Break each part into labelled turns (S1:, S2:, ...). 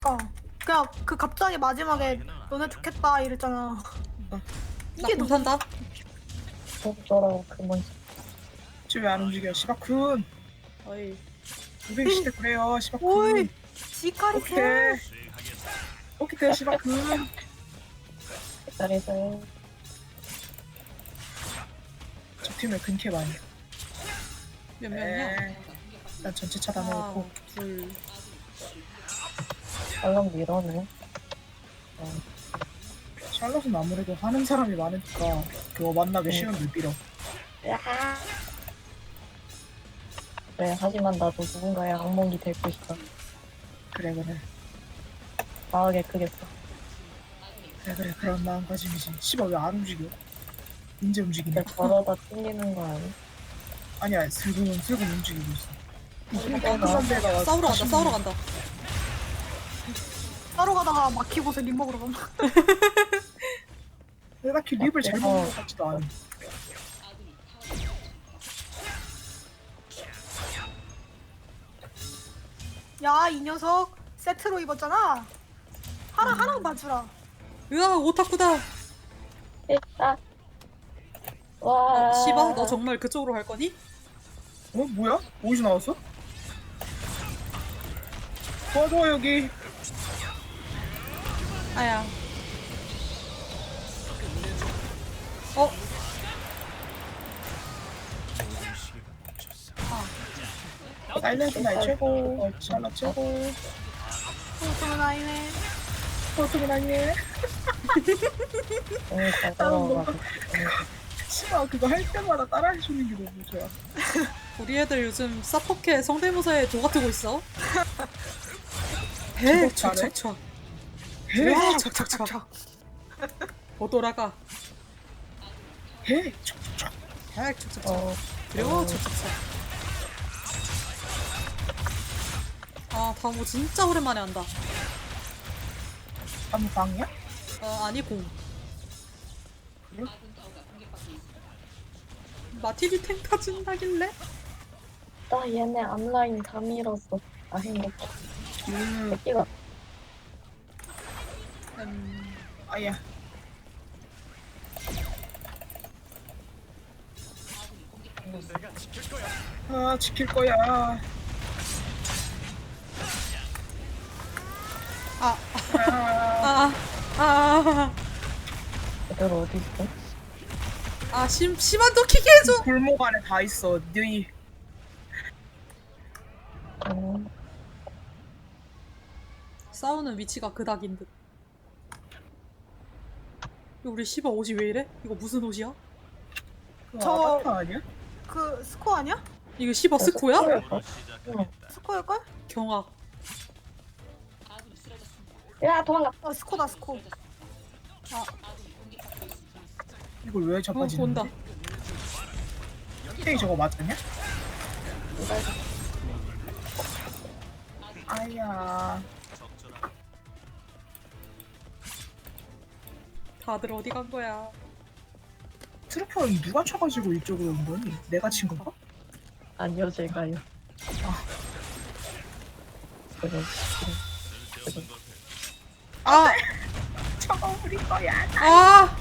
S1: 그냥 그 갑자기 마지막에 너네 좋겠다 이랬잖아. 이게
S2: 나 못한다.
S3: 저런 그만.
S4: 쟤 왜 안 움직여? 시바쿤.
S2: 어이.
S4: 220대 그래요,
S1: 오이
S4: 시바쿤.
S1: 지카리 세.
S4: 오케이. 오케이, 시바쿤.
S3: 잘해서
S4: 저 팀에 근캐 많이.
S2: 몇 명이야?
S4: 난 전체
S2: 하나,
S4: 차단해놓고.
S2: 둘.
S3: 얼른 밀어내.
S4: 샬럿은 아무래도 하는 사람이 많으니까 그거 만나기 쉬운 줄 빌어.
S3: 그래, 하지만 나도 누군가의 악몽이 될 것이다.
S4: 그래.
S3: 과하게 크겠어.
S4: 그래, 그런 마음가짐이지. 씨발 왜 안 움직여? 이제 움직이네.
S3: 근데 걸어다 튕기는 거 아니?
S4: 아니야, 슬금 움직이고 있어.
S2: 싸우러 간다.
S1: 따로 가다가 막히고서 립 먹으러 간다.
S4: 내가 딱히 립을 잘 먹는 것 같지도 않아.
S1: 야 이 녀석 세트로 입었잖아. 하나 봐주라.
S2: 으아, 오타쿠다.
S3: 됐다. 와.
S2: 시바, 너 정말 그쪽으로 갈 거니?
S4: 어? 뭐야? 어디서 나왔어? 도와줘 여기.
S2: 아야. 어?
S4: 사일렌트 나이 최고. 샬럿 최고.
S1: 소소는 아이네.
S4: 포스가 나이네.
S3: 오늘 잘 걸어가지고.
S4: 씨발 그거 할 때마다 따라해주는 게 너무 좋아.
S2: 우리 애들 요즘 사포켓 성대모사에 도가트고 있어. 해,
S4: 잘해?
S2: 촥촥촥.
S4: 해,
S2: 촥촥촥. 못 돌아가.
S4: 해, 촉촉촉.
S2: 해, 촥촥촥.
S3: 어,
S2: 그리고 촥촥촥. 아, 다모 진짜 오랜만에 한다.
S4: 아무 방이야?
S2: 아니, 공.
S4: 그래?
S2: 마티리 탱 타준다길래?
S3: 나 얘네 앞라인 다 밀었어. 아, 행복해. 새끼가.
S4: 아야. 아, 지킬 거야.
S2: 아,
S4: 아,
S3: 애들 어디 있어?
S2: 심한도 키게 해줘!
S4: 골목 안에 다 있어. 너희
S3: 어,
S2: 싸우는 위치가 그닥인 듯. 우리 시바 옷이 왜 이래? 이거 무슨 옷이야?
S1: 저-
S4: 아바타 아니야?
S1: 그 스코 아니야?
S2: 이거 시바 스코야?
S3: 응.
S1: 스코일걸?
S2: 경악.
S3: 야, 도망가.
S1: 스코다 스코.
S4: 이걸 왜 저까지
S2: 온다.
S4: 땡이 저거 맞았냐? 아야.
S2: 다들 어디 간 거야?
S4: 트루퍼는 누가 쳐가지고 이쪽으로 온 거니? 내가 친 건가?
S3: 아니요, 제가요. 그래.
S2: 아!
S4: 쳐버릴 거야.
S2: 아!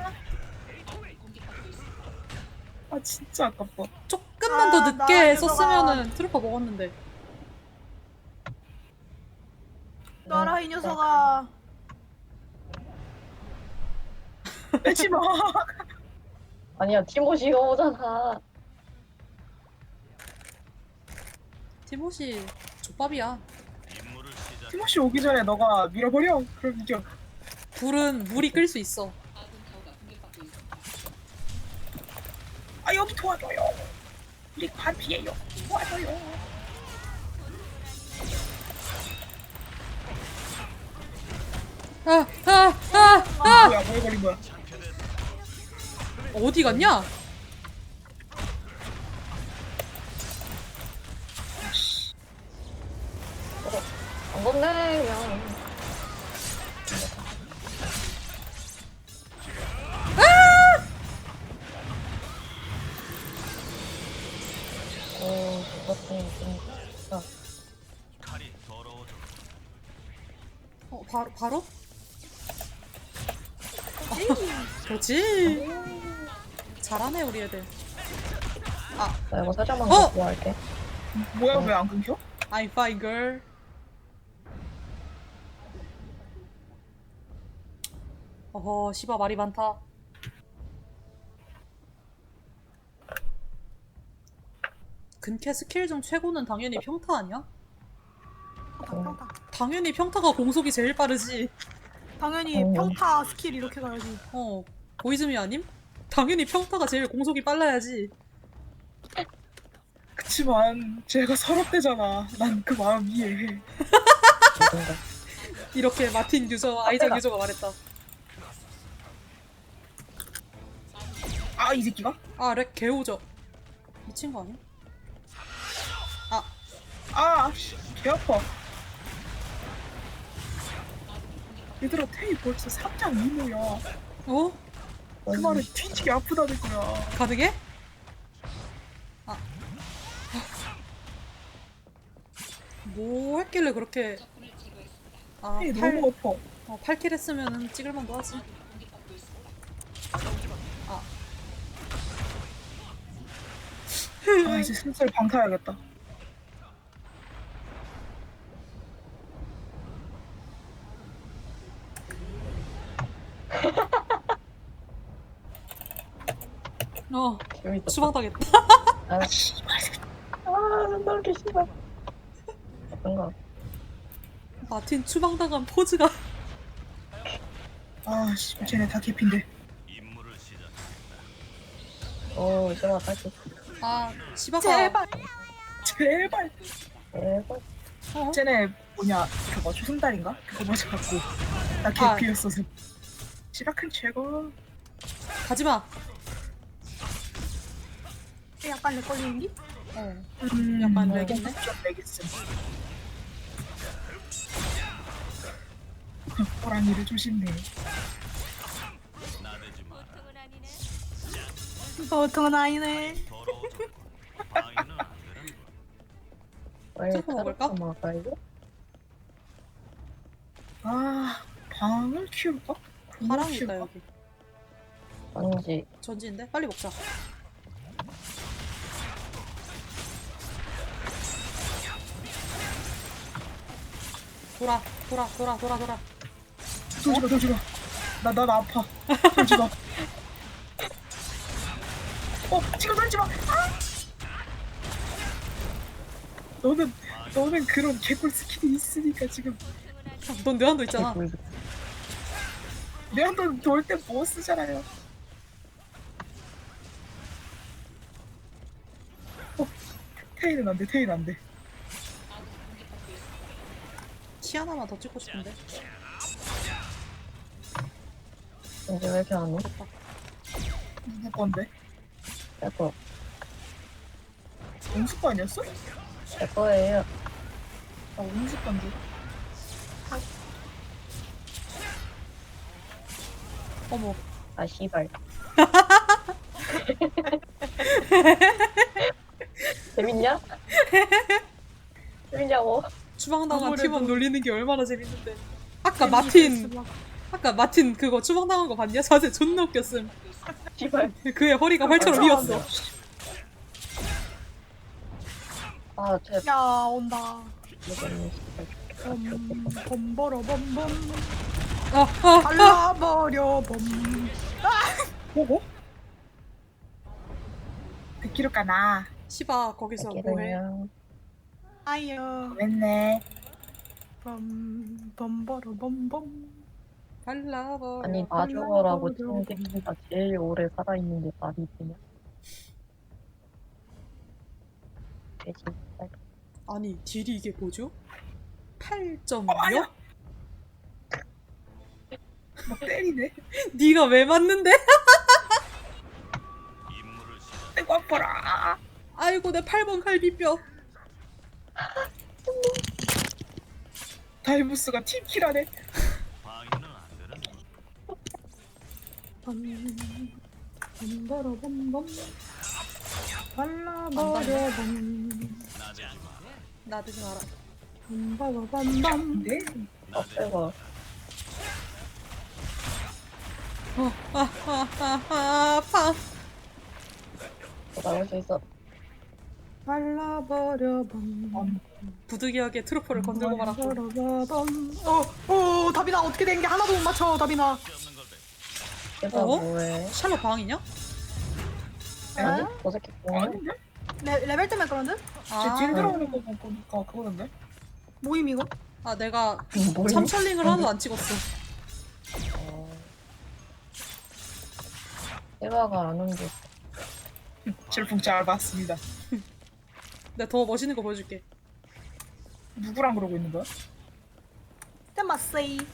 S4: 아 진짜 아깝다.
S2: 조금만 더
S1: 아,
S2: 늦게
S1: 나
S2: 썼으면은 트루퍼 먹었는데.
S1: 놔라 이 녀석아.
S4: 빼지 마.
S3: 아니야, 티모시가 오잖아.
S2: 티모시 족밥이야.
S4: 티모시 오기 전에 너가 밀어버려. 그럼 이겨.
S2: 불은 물이 끓일 수 있어.
S4: 아 여기 도와줘요. 우리 반피해요. 도와줘요. 뭐야 뭐 해버린 거야.
S2: 어디 갔냐?
S3: 안 건네, 그냥. 그것도 좀.
S2: 바로? 그렇지. 잘하네 우리 애들.
S3: 나 이거 살짝만
S2: 어!
S3: 갖고 할게.
S4: 뭐야 왜 안 끊겨?
S2: I'm fine girl. 어허 씨바 말이 많다. 근캐 스킬 중 최고는 당연히 평타 아니야?
S1: 평타.
S2: 당연히 평타가 공속이 제일 빠르지.
S1: 당연히 평타 스킬 이렇게 가야지.
S2: 보이즈미 아님? 당연히 평타가 제일 공속이 빨라야지.
S4: 그치만 쟤가 서럽대잖아. 난 그 마음 이해해.
S3: 누군가.
S2: 이렇게 마틴 유저, 아이작 유저가 말했다.
S4: 아 이 새끼가?
S2: 렉 개오죠. 미친 거 아니야?
S4: 개 아파. 얘들아 테이 벌써 3장 2모야.
S2: 어?
S4: 그 말은 뒤지게 아프다는 거야.
S2: 가능해? 뭐 했길래 그렇게
S4: 테이 너무 아파.
S2: 8킬 했으면 찍을만도 하지.
S4: 이제 슬슬 방타야겠다.
S3: 재밌었다.
S2: 추방당했다.
S3: 아, 나 이렇게 싫어. 어떤가?
S2: 마틴 추방당한 포즈가
S4: 씨 쟤네 다 개핀데.
S3: 이제와 다시.
S2: 시바가
S1: 제발.
S4: 제발.
S3: 대박.
S4: 쟤네 뭐냐 그거 초승달인가? 그거 맞아갖고 나 개피였어서. 시라큰 최고.
S2: 가지마.
S1: 약간 내 걸리는기?
S2: 약간 렉이네.
S4: 좀 렉있음. 호랑이를 조심해.
S1: 보통은 아니네.
S2: 찍어 먹을까?
S3: 이거?
S4: 방을 키울까?
S2: 파랑 있다 여기.
S3: 아니지.
S2: 전지인데? 빨리 먹자. 돌아.
S4: 돌지마. 나 아파. 돌지마. 지금 돌지마. 너는 그런 개꿀 스킬이 있으니까 지금
S2: 넌 뇌한도 있잖아.
S4: 내 한번 돌 때 뭐 쓰잖아요. 테이는 안 돼.
S2: 키 하나만 더 찍고 싶은데.
S3: 이제 왜 이렇게 안 오?
S4: 누구 건데?
S3: 내 거.
S4: 온수 거 아니었어?
S3: 내 거예요.
S4: 온수 건데.
S2: 어머.
S3: 씨발. 재밌냐? 재밌냐고.
S2: 추방당한
S1: 아무래도-
S2: 팀원 놀리는 게 얼마나 재밌는데. 아까 마틴 그거 추방당한 거 봤냐? 자세 존나 웃겼음.
S3: 씨발.
S2: 그의 허리가 활처럼 휘었어.
S3: 쟤
S1: 야 온다.
S3: 모르겠네.
S1: 범버려 범범.
S2: 아,
S1: 발라버려 범.
S4: 보고? 듣기로 까나.
S2: 시바 거기서 뭐해?
S3: 그냥
S1: 아이요.
S4: 됐네.
S1: 범버려 범범.
S2: 발라버.
S3: 아니 놔줘라고 치는 새끼가 제일 오래 살아있는 게 말이 되냐? 돼지.
S2: 아니 딜이 이게 뭐죠? 8.6?
S4: 아니야. 막 때리네.
S2: 네가 왜 맞는데?
S4: 아이고 아파라.
S2: 아이고 내 8번 갈비뼈.
S4: 다이브스가 팀킬하네.
S1: 범버려 범범. 발라버려 범.
S2: 나대지 마라.
S1: 범버려 범범.
S4: 네.
S3: 빼고.
S2: 아파.
S3: 나올 수 있어.
S1: 발라버려 범.
S2: 부득이하게 트루퍼를 건들고 말았고.
S1: 다비나 어떻게 된 게 하나도 못 맞춰 다비나.
S3: 얘가
S2: 어?
S3: 뭐해?
S2: 샬롯 방이냐?
S3: 아니? 저 새끼 뭐해?
S4: 아닌데?
S1: 레벨 때문에 그러는?
S4: 제 뒤에 들어오는 거 보니까 그거던데?
S1: 모임 이거?
S2: 아 내가
S3: 뭐해?
S2: 참철링을 하나도 안 찍었어.
S3: 얘가 안 온 게.
S4: 질풍 잘 봤습니다.
S2: 내가 더 멋있는 거 보여줄게.
S4: 누구랑 그러고 있는 거야?
S1: 땜마세이.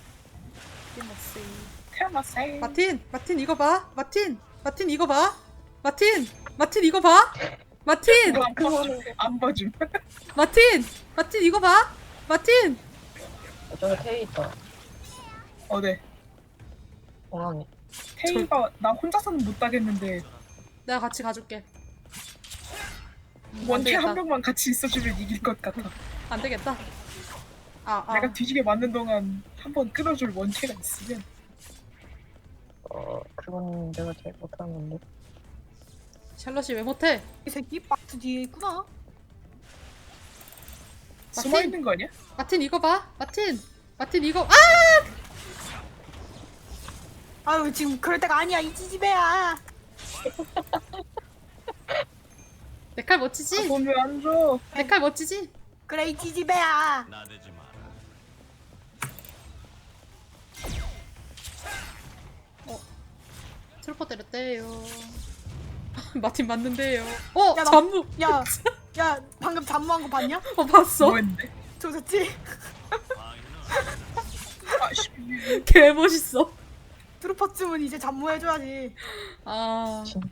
S4: 태어났어요.
S2: 마틴 이거 봐. 마틴 이거 봐. 마틴 이거 봐. 마틴
S4: 안 봐줌.
S2: 마틴 이거 봐. 마틴
S3: 저기 테이 있다.
S4: 네.
S3: 공항에.
S4: 태희가 나 혼자서는 못 따겠는데
S2: 내가 같이 가줄게.
S4: 원태
S2: 되겠다.
S4: 한 명만 같이 있어주면 이길 것 같아.
S2: 안 되겠다.
S4: 내가 뒤지게 맞는 동안 한 번 끊어줄 원태가 있으면
S3: 그건 내가 제일 못하는 건데.
S2: 샬럿이 왜 못해?
S1: 이 새끼 박스 뒤에 있구나.
S4: 숨어 있는 거 아니야?
S2: 마틴 이거 봐. 마틴 이거
S1: 아유 지금 그럴 때가 아니야 이 지지배야.
S2: 내 칼 멋지지?
S4: 돈 왜 안 줘?
S2: 내 칼 멋지지?
S1: 그래 이 지지배야.
S5: 나대지 마라.
S2: 트루퍼 때렸대요. 마틴 맞는데요.
S1: 야, 나-
S2: 잠무.
S1: 야 방금 잠무한 거 봤냐?
S2: 봤어?
S4: 뭐 했는데?
S1: 조졌지?
S4: 아씨.
S2: 개 멋있어.
S1: 트루퍼쯤은 이제 잠무해줘야지.
S2: 아.
S3: 진-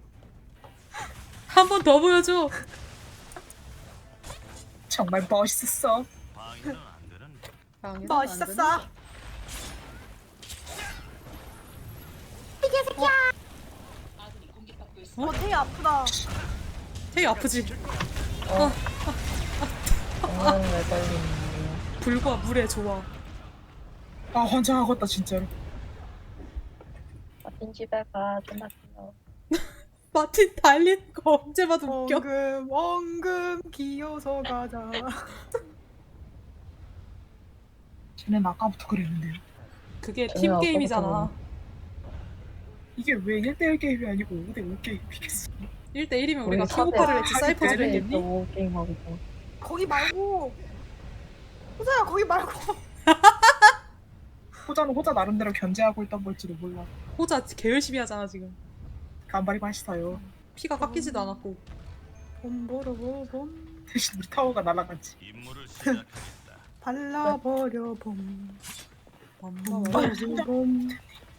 S2: 한 번 더 보여줘.
S4: 정말 멋있었어.
S5: 방해는 안 되는데.
S1: 멋있었어. 태희 아프다.
S2: 되게 아프지?
S3: 공항 매달리는
S2: 불과 물의 조화.
S4: 아 환장하겠다 진짜로.
S3: 마틴 집에 가. 존나 귀여워.
S2: 마틴 달리는 거 언제 봐도 웃겨.
S1: 원금 기어서 가자.
S4: 쟤는 아까부터 그랬는데요.
S2: 그게
S3: 저는
S2: 팀 게임이잖아.
S4: 이게 왜 1대1 게임이 아니고 5대5 게임이겠어?
S2: 1대1이면
S3: 우리
S2: 우리가
S3: 사대-
S2: 킹오파를 했지 사이퍼즈를
S3: 집에
S2: 했겠니?
S3: 또 게임하고 있어.
S1: 거기 말고. 호자야 거기 말고.
S4: 호자는 호자 나름대로 견제하고 있던 걸지도 몰라.
S2: 호자 개 열심히 하잖아 지금.
S4: 간발이 맛있어요.
S2: 피가 깎이지도 않았고.
S1: 봄보로봄
S4: 대신 우리 타워가 날아갔지.
S5: 임무를 시작하겠다.
S1: 발라버려 봄. 봄.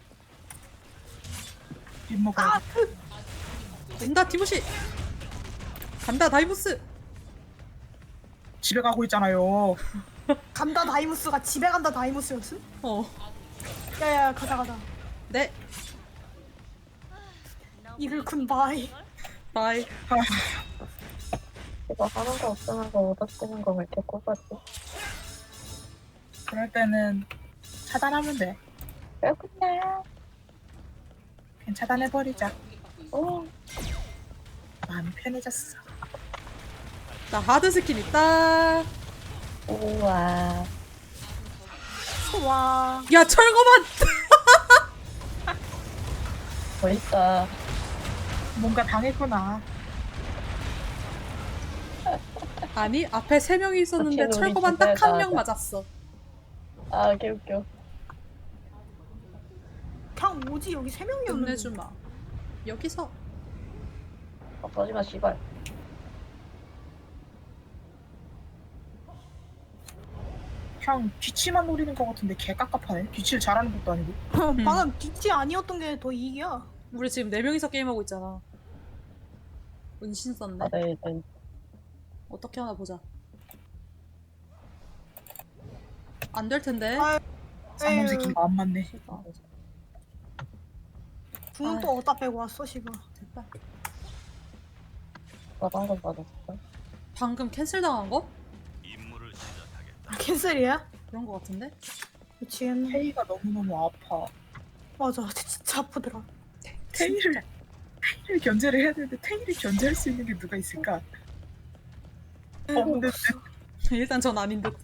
S4: 밥 먹어야 돼.
S2: 온다 티모시. 간다 다이무스.
S4: 집에 가고 있잖아요.
S1: 간다 다이무스가 집에 간다 다이무스였어? 야야 가자.
S2: 네.
S1: 이글쿤 바이.
S2: 바이.
S3: 이거 하는 거 없으면서 얻어쓰는 거 왜 이렇게 꼽았지?
S4: 그럴 때는 차단하면 돼.
S3: 그렇구나.
S4: 그냥 차단해버리자.
S3: 오,
S4: 마음이 편해졌어.
S2: 나 하드 스킨 있다.
S3: 우와.
S1: 와.
S2: 야 철거만.
S3: 멋있다.
S4: 뭔가 당했구나.
S2: 아니 앞에 3명이 있었는데
S3: 마틴 우리
S2: 철거만 딱
S3: 집에
S2: 한 명
S3: 가자.
S2: 맞았어.
S3: 아, 개웃겨.
S1: 그냥 오지 여기 3명이었는데.
S2: 끝내주마. 여기서
S3: 꺼지마, 씨발.
S4: 그냥 뒤치만 노리는 것 같은데 개 깝깝하네. 뒤치를 잘하는 것도 아니고.
S1: 방금 뒤치 아니었던 게 더 이익이야.
S2: 우리 지금 4명이서 게임하고 있잖아. 은신 썼네.
S3: 아, 네.
S2: 어떻게 하나 보자. 안 될 텐데.
S1: 아,
S4: 쌍놈 새끼가 안 맞네.
S1: 궁은 또 어디다 빼고 왔어 시발.
S2: 됐다.
S3: 나 방금 받았어.
S2: 방금 캔슬 당한 거?
S5: 임무를 시작하겠다.
S1: 아, 캔슬이야?
S2: 그런 거 같은데?
S1: 미치겠네.
S4: 테이가 너무너무 아파.
S1: 맞아, 진짜 아프더라.
S4: 테이를 견제를 해야 되는데 테이를 견제할 수 있는 게 누가 있을까? 없는데
S2: 일단 전 아닌 듯.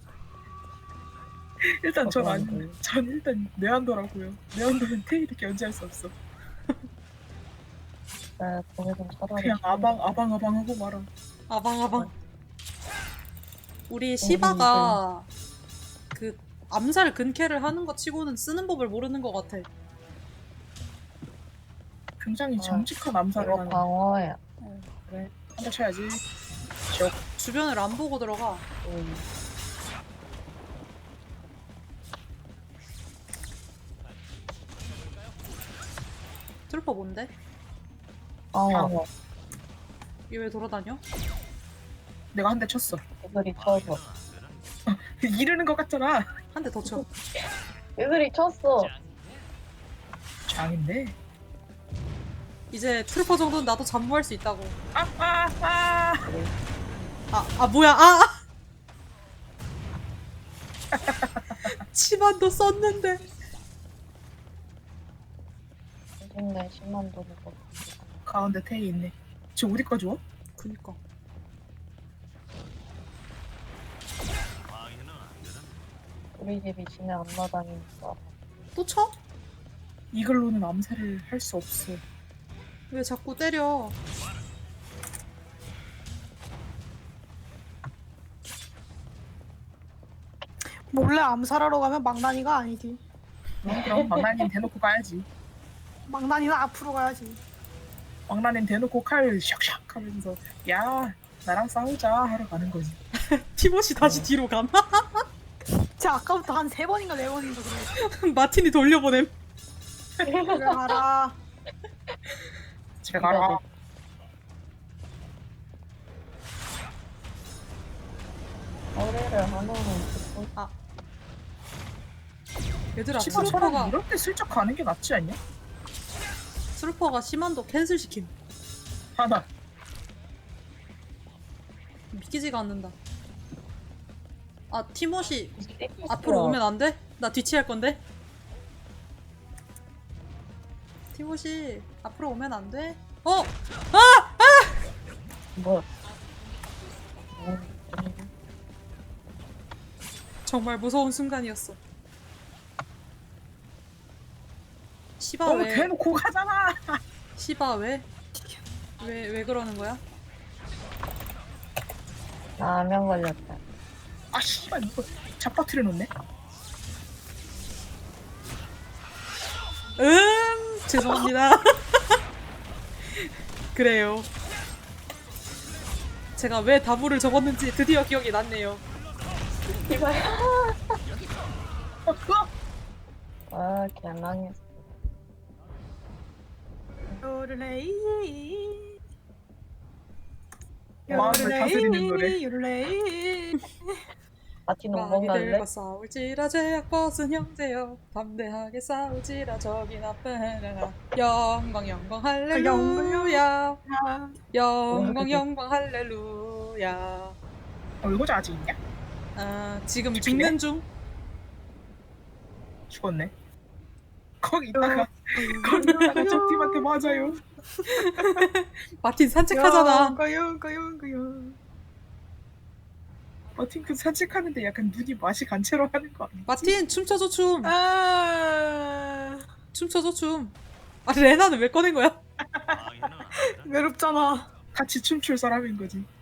S4: 일단 전 아닌데
S3: 없는데.
S4: 전 일단 네안더라고요. 네안더는 테이를 견제할 수 없어.
S3: 나 거기서 차라리
S4: 그냥 아방하고 말아.
S2: 아방아방. 우리 시바가 그 암살 근캐를 하는 거 치고는 쓰는 법을 모르는 것 같아.
S4: 굉장히
S3: 아,
S4: 정직한 암살을
S3: 이거
S4: 하는.
S3: 방어야.
S4: 그래 한대 쳐야지.
S2: 주변을 안 보고 들어가. 트루퍼 뭔데?
S3: 방어.
S2: 얘 왜 돌아다녀?
S4: 내가 한 대 쳤어.
S3: 애들이 쳐서.
S4: 이르는 것 같잖아.
S2: 한 대 더 쳐.
S3: 애들이 쳤어.
S4: 장인데.
S2: 이제 트루퍼 정도는 나도 잠무할 수 있다고.
S4: 아.
S2: 뭐야, 치만도 썼는데.
S3: 요즘에 10만 돈을 거.
S4: 가운데 테이 있네. 저 어디까지 와?
S2: 그니까.
S5: 방해는 안 되는
S3: 우리 집이 진해 안 나다니니까.
S2: 또 쳐?
S4: 이걸로는 암살을 할 수 없어.
S2: 왜 자꾸 때려?
S1: 몰래 암살하러 가면 망나니가 아니지.
S4: 그럼 망나님 대놓고 가야지.
S1: 망나니는 앞으로 가야지.
S4: 망나님 대놓고 칼 샥샥 하면서 야 나랑 싸우자 하러 가는 거지.
S2: 티모시 다시 뒤로 감.
S1: 제가 아까부터 한 3번인가 4번인가 그래.
S2: 마틴이 돌려보냄.
S1: 그래 가라.
S4: 집에 가라.
S3: 거리를 하나는 듣고
S2: 얘들아,
S4: 치마 차라리
S2: 트루퍼가
S4: 이럴 때 슬쩍 가는 게 낫지 않냐?
S2: 시만도 캔슬 시킴.
S4: 하나.
S2: 믿기지가 않는다. 티모시
S3: 있어.
S2: 앞으로 오면 안 돼? 나 뒤치할 건데. 티모시 앞으로 오면 안 돼?
S3: 뭐?
S2: 정말 무서운 순간이었어. 시바
S4: 너무
S2: 왜?
S4: 대놓고 가잖아.
S2: 시바 왜? 왜 그러는 거야?
S3: 라면 걸렸다.
S4: 아 씨발 이거 잡아트려 놓네.
S2: 죄송합니다. 그래요. 제가 왜 다부를 적었는지 드디어 기억이 났네요.
S3: 이발.
S4: 그거
S3: 아, 개망했어.
S1: 요르레이.
S4: 마음을 다스리는 노래.
S1: 요르레이.
S3: 마티는 뭔 갈래?
S2: 마귀들과 싸울지라 제약벗은 형제여 담대하게 싸울지라 적이 나쁘나 영광 영광 할렐루야 영광 영광 할렐루야.
S4: 이거 아직 있냐?
S2: 지금 죽는 중.
S4: 죽었네. 거기 있다가 저 팀한테 맞아요.
S2: 마틴 산책하잖아.
S1: 용가용.
S4: 그 산책하는데 약간 눈이 맛이 간 채로 하는 거 아니야?
S2: 마틴 춤춰줘 춤.
S1: 아,
S2: 춤춰줘 춤. 레나는 왜 꺼낸 거야?
S5: 방해는 안 되는
S1: 외롭잖아.
S4: 같이 춤출 사람인 거지.